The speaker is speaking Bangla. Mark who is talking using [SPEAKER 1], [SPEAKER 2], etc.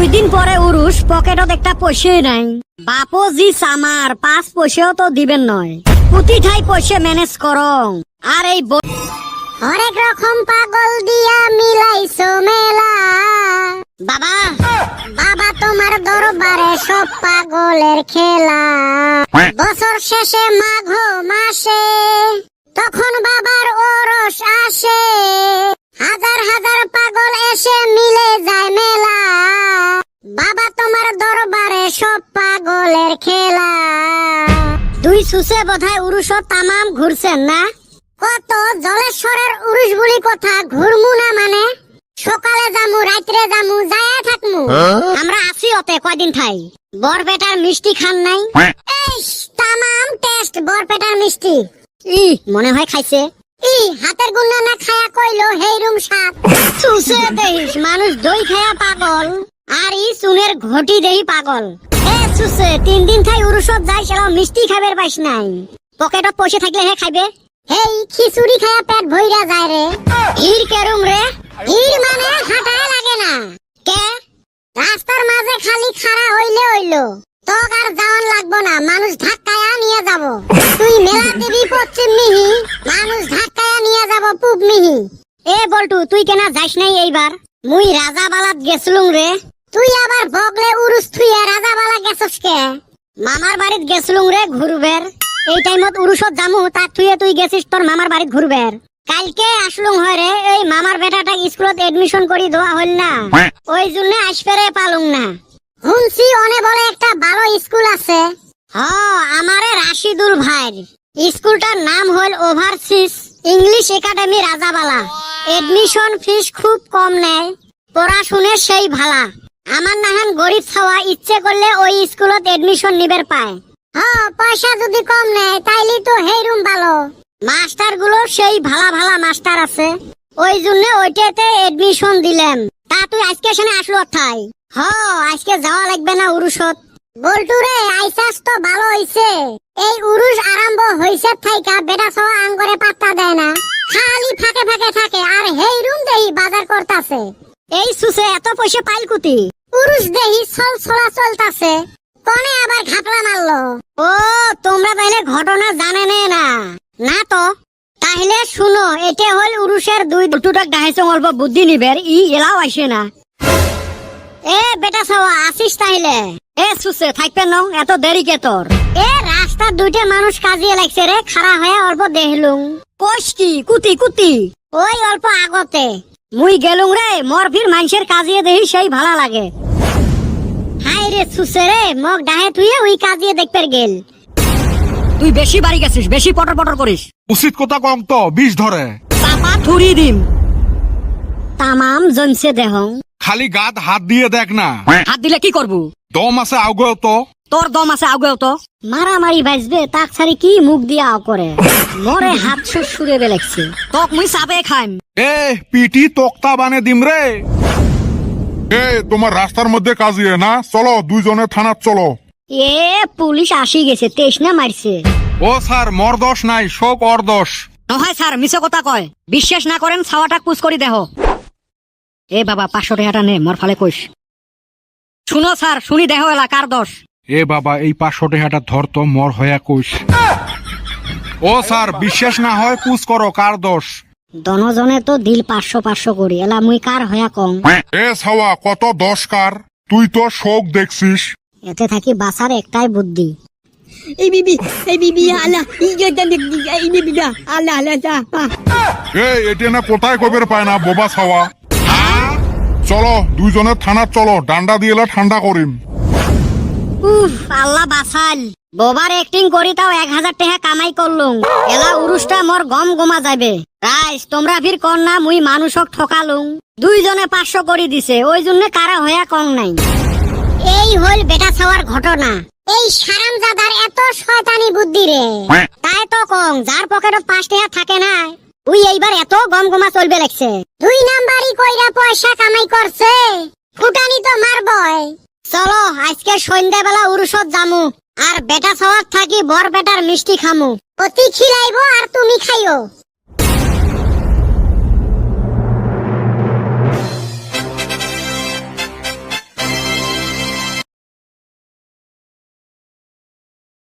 [SPEAKER 1] 2 দিন পরে উরুষ, পকেটত একটা পয়সাই নাই। বাপো জি সামার 5 পয়সাও তো দিবেন নয়। পুতি ঠাই পয়সা ম্যানেজ করং। আর এই হরেক রকম পাগল দিয়া মিলাইছো মেলা। বাবা বাবা তোমার দরবারে সব পাগলের খেলা। বছর শেষে মাঘ মাসে তখন বাবার ওরস আসে। হাজার হাজার পাগল এসে মিলে যায় মেলা। বাবা তোমার দরবারে সব পাগলের খেলা। 2 সুসে বোধহয় উরুষও তামাম ঘুরছেন না? কত জলেশ্বরের উরুষ বলি কথা ঘুরমু না মানে? সকালে যামু রাত্রে যামু যায়া থাকমু। আমরা আসি ওতে কয়দিন ঠাই। বরপেটার মিষ্টি খান নাই? এই তামাম টেস্ট বরপেটার মিষ্টি। মনে হয় খাইছে। হাতের গুন্না না খায়া কইলো হেইরুম স্বাদ। সুসে দেহিস মানুষ দই খায়া পাগল, আর সুনের ঘটি দেহি পাগল। সুসে 3 দিন খাই উরুষত যাই সেরাও মিষ্টি খাইবার পাইস নাই। পকেটত পয়সা থাকলে হে খাইবে। হেই খিচুড়ি খায়া পেট ভইরা যায় রে। হির কেরুম রে? হির মানে হাঁটায় লাগে না। কে? রাস্তার মাঝে খালি খাড়া হইলে হইলো। তোক আর যাওয়ান লাগবো না, মানুষ ধাক্কায়া নিয়ে যাব। তুই মেলা দিবি পশ্চিম মিহি, মানুষ ধাক্কায়া নিয়ে যাব পূব মিহি। বল্টু তুই কেনা যাইস নাই এইবার? মুই রাজাবালাত গেছলুম রে। তুই আবার বগলে উরুস থুইয়া রাজাবালা গেছস কে? মামার বাড়িত গেছলুম রে ঘুরবের। এই টাইমত উরুষত জামু, তাক থুইয়া তুই গেছিস তোর মামার বাড়িত ঘুরবের। কালকে আসলুম হয় রে, এই মামার বেটাটা স্কুলত এডমিশন করি দেওয়া হল না, ওই জন্য আসপেরে পালুম না। শুনছি অনে বলে একটা ভালো স্কুল আছে। আমারে রাশিদুল ভাইর স্কুলটার নাম হল overseas English academy Rajabala. Admission fees খুব কম নেয়, পড়াশুনে সেই ভালা। আমার নাহান গরিব ছাওয়া ইচ্ছে করলে ওই স্কুলত এডমিশন নিবের পায়। পয়সা যদি কম নেয় তাইলে তো হেইরুম ভালো। মাস্টার গুলো সেই ভালা ভালা মাস্টার আছে, ওই জন্য ওইটাতে এডমিশন দিলাম। তা তুই আজকে সেনে আসলো অথাই? আজকে যাওয়া লাগবে না উরুষত। বল্টু রে আইসাস তো ভালো হইছে। এই উরুষ আরম্ভ হইছে থাইকা বেটা ছাওয়া আঙ্গরে পাত্তা দেয় না, খালি ফাঁকে ফাঁকে থাকে আর হেইরুম দেহি বাজার করতাছে। এই সুসে এত পয়সা পাইল কুতি? উরুষ দেহি চল চলা চলতাছে, কোনে আবার ঘাপলা মারলো। তোমরা তাইলে ঘটনা জানে না? না তো তাহলে শুনো, এটা হল উরুষের 2 দুটাক ডাহাইছে অল্প বুদ্ধি নিবের, এলাও আসে না। বেটা ছাওয়া আসিস তাইলে? সুসে থাকবে ন, এত দেরি কে তোর? রাস্তার 2টা মানুষ কাজিয়ে লাগছে রে, খাড়া হয়ে অল্প দেখলুম। কোষ কি কুতি কুতি? ওই অল্প আগতে মুই গেলুম রে, মোর ফির মানুষের কাজিয়ে দেহি সেই ভালা লাগে। হাই রে সুসে রে, মগ ডাহে তুই ওই কাজিয়ে দেখতে গেল। তুই বেশি বাড়ি গেছিস, বেশি পটর পটর করিস।
[SPEAKER 2] উচিত কথা কম তো, বিষ ধরে
[SPEAKER 1] চাপা থুরি দিম। তামাম জমছে দেহ।
[SPEAKER 2] খালি গাত হাত দিয়ে দেখ না।
[SPEAKER 1] হাত দিলে কি করবো?
[SPEAKER 2] দম আছে আউগেও তো।
[SPEAKER 1] তোর দম আছে আউগেও তো। মারামারি বাজবে তাক ছাড়ি কি মুখ দিয়া আও করে। মরে হাত সুরে বেলেগছে, তোক মুই চাপে খাইম।
[SPEAKER 2] পিটি তক্তা বানে দিম রে। তোমার রাস্তার মধ্যে কাজিয়ে না, চলো 2 জনে থানাত চলো।
[SPEAKER 1] পুলিশ আসি গেছে, 23 না মারছে।
[SPEAKER 2] স্যার মোর দোষ নাই, সব ওর দোষ।
[SPEAKER 1] নহয় স্যার, মিছে কথা কয়। বিশ্বাস না করেন ছাওয়াটা পুষ করি দেহ। বাবা 500 টাকাটা নে, মোর ফালে কইস। শুনো স্যার, শুনি দেহ এলা কার দোষ।
[SPEAKER 2] বাবা এই 500 টাকাটা ধর তো, মোর হয়া কইস। স্যার বিশ্বাস না হয় পুষ করো, কার দোষ?
[SPEAKER 1] দনজনে তো দিল 500 করি, এলা মুই কার হয়া কম।
[SPEAKER 2] ছাওয়া কত দোষ কার? তুই তো শোক দেখছিস।
[SPEAKER 1] এতে থাকি বাসার একটাই বুদ্ধি।
[SPEAKER 2] এটা না কোথায় কবের পায় না বোবা ছাওয়া। চলো 2 জনে থানাত চলো, ডান্ডা দিয়ে ঠান্ডা করিম।
[SPEAKER 1] আল্লাহ বাসাল, বোবার অ্যাক্টিং করি তাও 1000 টাকা কামাই করলুম। এলা উরুষটা মোর গম গমা যাবে। রাইস তোমরা ফির কর না মুই মানুষক ঠকালুম। 2 জনে 500 করি দিছে, ওই জন্য কারা হয়া কম নাই। এই হল বেটা ছাওয়ার ঘটনা। এই সারামজাদার এত শয়তানি বুদ্ধি রে। তাই তো কম, যার পকেটত 5 টাকা থাকে না, ওই এইবার এত গম গমা চলবে লাগছে। 2 নাম্বারই কইরা পয়সা কামাই করছে, ফুটানি তো মারবই। চলো আজকে সন্ধ্যাবেলা উরুষত জামু, আর বেটা ছাওয়ার থাকি বর বেটার মিষ্টি খামু। অতি খিলাইবো আর তুমি খাইও।